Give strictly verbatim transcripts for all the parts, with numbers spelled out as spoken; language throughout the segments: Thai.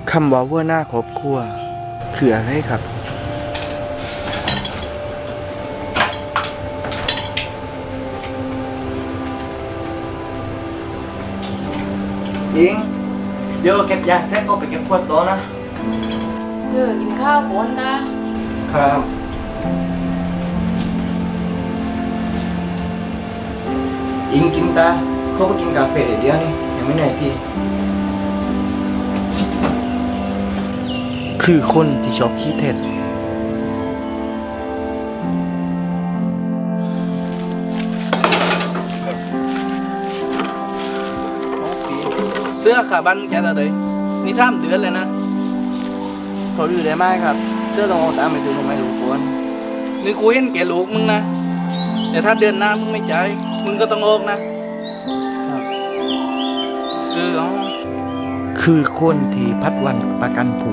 คำว่าหัวหน้าครอบครัวคืออะไรครับยิงเดี๋ยวเก็บยาเสร็จก็ไปเก็บขวดโต๊ะนะเธอกินข้าวก่อนตาครับอิงกินตาเขาไปกินกาแฟเดี๋ยวนี้ยังไม่เหนื่อยพี่คือคนที่ชอบขี้เท็จเสื้อขาบันแกตัวเดยนี่ท่ามเดือนเลยนะเขาดูได้ไหมครับเสื้อต้องเอาตามไปซื้อทำไมลูกควรนี่กูเห็นแกลูกมึงนะแต่ถ้าเดือนหน้ามึงไม่จ่ายมึงก็ต้องออกนะครับคืออ๋อคือคนที่พัดวันประกันผู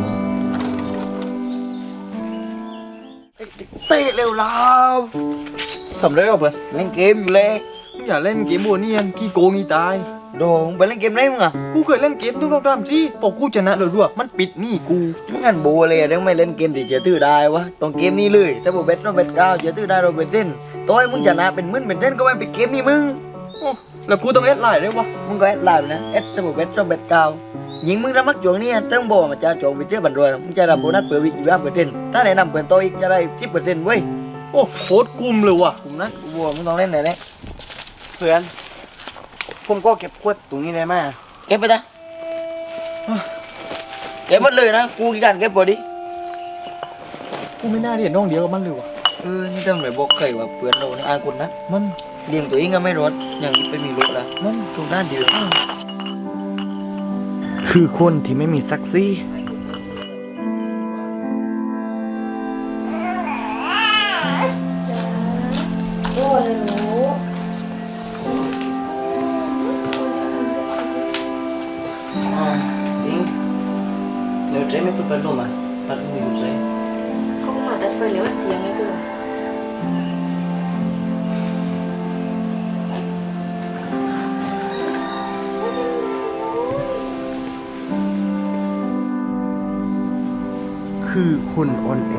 เตะเร็วแล้วทำไรอ่ะเพื่อนเล่นเกมอยู่เลยมึงอย่าเล่นเกมบัวนี่ยันขี้โกงงี้ตายโดงไปเล่นเกมไรมึงอ่ะกูเคยเล่นเกมทุกรอบๆที่พอกูชนะเลยด้วยมันปิดนี่กูมึงงั้นโบเลยเรื่องไม่เล่นเกมที่เจอตื้อได้วะต้องเกมนี้เลยถ้าโบเบ็ดต้องเบ็ดเก้าเจอตื้อได้เราเบ็ดเล่นต่อยมึงชนะเป็นมึนเป็นเล่นก็ไม่ปิดเกมนี่มึงแล้วกูต้องเอสไลน์ด้วยวะมึงก็เอสไลน์นะเอสถ้าโบเบ็ดต้องเบ็ดเก้ายิงมึงระมักจวงนี่ต้องบอกมันจะจวงไปเจอบันรวยมึงจะรับโบนัสเปิดวิกยี่ห้าเปอร์เซ็นต์ถ้าแนะนำเปิดโตอีกจะได้ที่เปอร์เซ็นต์เว้ยโอ้โคตรกุมเลยว่ะกุมนะกูบอกมึงต้องเล่นไหนเนี่ยเพื่อนผมก็เก็บขวดตรงนี้ได้ไหมเก็บไปจ้ะเก็บหมดเลยนะกูกี่การเก็บพอดีกูไม่น่าเรียนน้องเดียวกับมันเลยว่ะเออนี่ทำไรบอกใครว่าเพื่อนเราอ่านคนนะมันเลี้ยงตัวเองก็ไม่รอดอย่างนี้ไปมีลูกละมันถูกด้านเดียวคือคนที่ไม่มีศักดิ์ศรีโอ้ยหนูอิงเดี๋ยวเจ๊ไม่ต้องไปดูมาพัดมือเจ๊เขามาตัดไฟเหลวเตียงไงเธอคือคนอ่อนแอ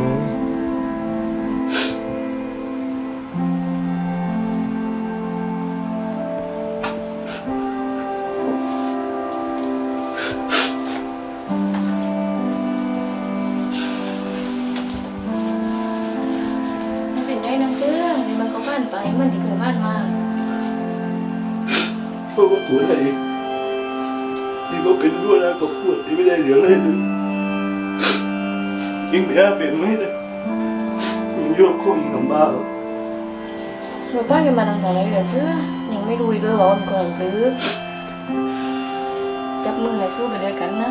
เป็นได้นะเสื้อเดี๋ยวมันก็ผ่านไปเหมือนที่เคยผ่านมาเพราะว่าตัวไหนที่ก็เป็นรั้วแล้วก็ปวดที่ไม่ได้เหลืองเลยเลยยิ่งไปหาเป็นไม่ได้ยิ่งโยกข้องทำบ้าเราป้ากันมาตั้งแต่ไรเดี๋ยวเสื้อยังไม่รู้อีกเลยว่ามันก่อนหรือจับมือไหนสู้ไปด้วยกันนะ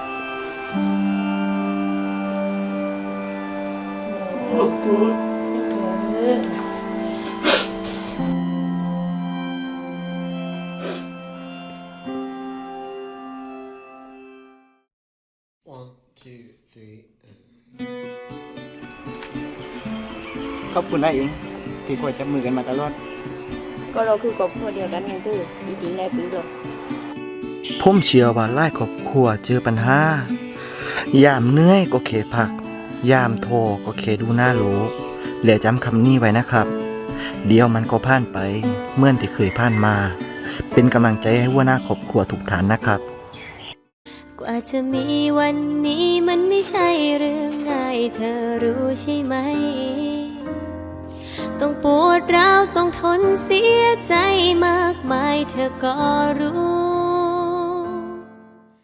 ปวดปวด One, two, three, and... ขอบคุณนะอิงที่คอยจับมือกันมาตลอดก็เราคือครอบครัวเดียวกันไงตื้อจริงๆในปีหรอกผมเชื่อว่าหลายครอบครัวเจอปัญหายามเหนื่อยก็เขพักยามโทรก็เขดูหน้าโลเหลือจำคำนี้ไว้นะครับ เดี๋ยวมันก็ผ่านไปเหมื่อนที่เคยผ่านมา เป็นกำลังใจให้หัวหน้าครอบครัวทุกท่านนะครับกว่าจะมีวันนี้มันไม่ใช่เรื่องง่ายเธอรู้ใช่ไหมต้องปวดร้าวต้องทนเสียใจมากมายเธอก็รู้